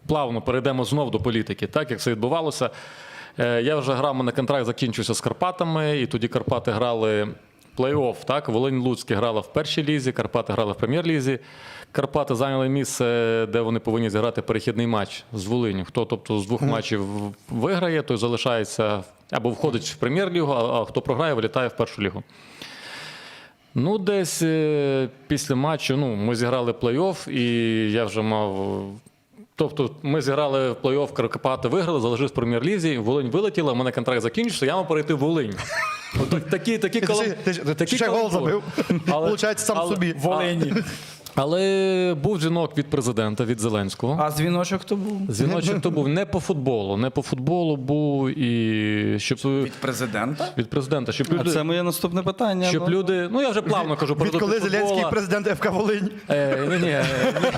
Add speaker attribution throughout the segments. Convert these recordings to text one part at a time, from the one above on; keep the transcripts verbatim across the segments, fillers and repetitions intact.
Speaker 1: плавно перейдемо знов до політики, так як це відбувалося. Я вже грав, мене контракт закінчився з Карпатами, і тоді Карпати грали плей-офф, так? Волинь-Луцьке грала в першій лізі, Карпати грали в прем'єр-лізі. Карпати зайняли місце, де вони повинні зіграти перехідний матч з Волиню. Хто, тобто, з двох mm. матчів виграє, той залишається або входить в прем'єр-лігу, а хто програє, вилітає в першу лігу. Ну, десь після матчу, ну, ми зіграли плей-офф, і я вже мав... Тобто ми зіграли в плей-офф, Карпати виграли, залишились в прем'єр-лізі, Волинь вилетіла, у мене контракт закінчився, я мав перейти в Волинь. Такі, такі
Speaker 2: колом... Ти, ти, ти ще гол забив, виходить, сам
Speaker 1: але,
Speaker 2: собі.
Speaker 3: Волині.
Speaker 1: Але був дзвінок від президента, від Зеленського.
Speaker 3: А дзвіночок хто був?
Speaker 1: Дзвіночок хто був не по футболу. Не по футболу був і... Щоб...
Speaker 3: Від президента?
Speaker 1: Від президента. Щоб люди...
Speaker 4: А це моє наступне питання.
Speaker 1: Щоб
Speaker 4: бо...
Speaker 1: люди... Ну, я вже плавно кажу.
Speaker 2: Відколи Зеленський президент ФК Волинь?
Speaker 1: Е, ні, ні, ні.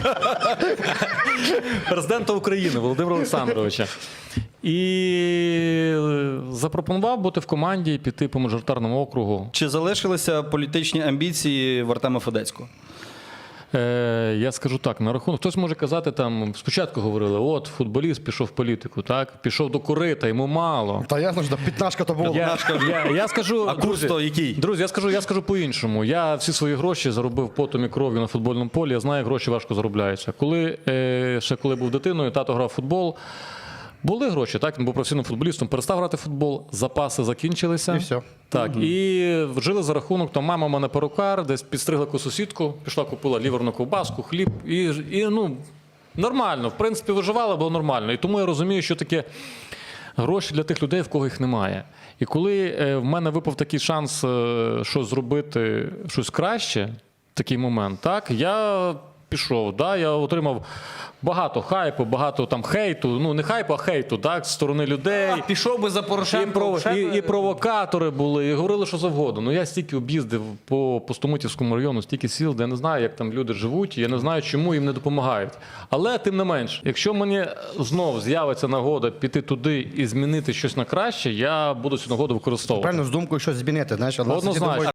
Speaker 1: Президента України Володимира Олександровича. І запропонував бути в команді і піти по мажоритарному округу.
Speaker 4: Чи залишилися політичні амбіції в Артема Федецького?
Speaker 1: Е, я скажу так, на рахунок, хтось може казати, там, спочатку говорили, от, футболіст пішов в політику, так, пішов до корита, йому мало.
Speaker 2: Та ясно, що п'ятнашка то було.
Speaker 1: Я, я, я скажу,
Speaker 4: а курс то який?
Speaker 1: Друзі, я скажу, я скажу по-іншому. Я всі свої гроші заробив потом і кров'ю на футбольному полі, я знаю, як гроші важко заробляються. Коли, е, ще коли був дитиною, тато грав в футбол, були гроші, так, він був професійним футболістом, перестав грати в футбол, запаси закінчилися.
Speaker 2: І все.
Speaker 1: Так,
Speaker 2: угу.
Speaker 1: І жили за рахунок, то мама в мене перукар, десь підстригла яку сусідку, пішла, купила ліверну ковбаску, хліб, і, і ну, нормально, в принципі, виживала, було нормально. І тому я розумію, що таке гроші для тих людей, в кого їх немає. І коли е, в мене випав такий шанс е, щось зробити, щось краще, такий момент, так, я пішов, да, я отримав багато хайпу, багато там хейту, ну не хайпу, а хейту, так, з сторони людей.
Speaker 3: А, пішов би за
Speaker 1: І,
Speaker 3: Порошенко.
Speaker 1: прово... і, і провокатори були, і говорили, що завгодно. Ну я стільки об'їздив по Пустомутівському району, стільки сіл, де я не знаю, як там люди живуть, і я не знаю, чому їм не допомагають. Але тим не менш, якщо мені знов з'явиться нагода піти туди і змінити щось на краще, я буду цю нагоду використовувати.
Speaker 2: Правильно, з думкою щось змінити, знаєш, але
Speaker 1: Однозначно.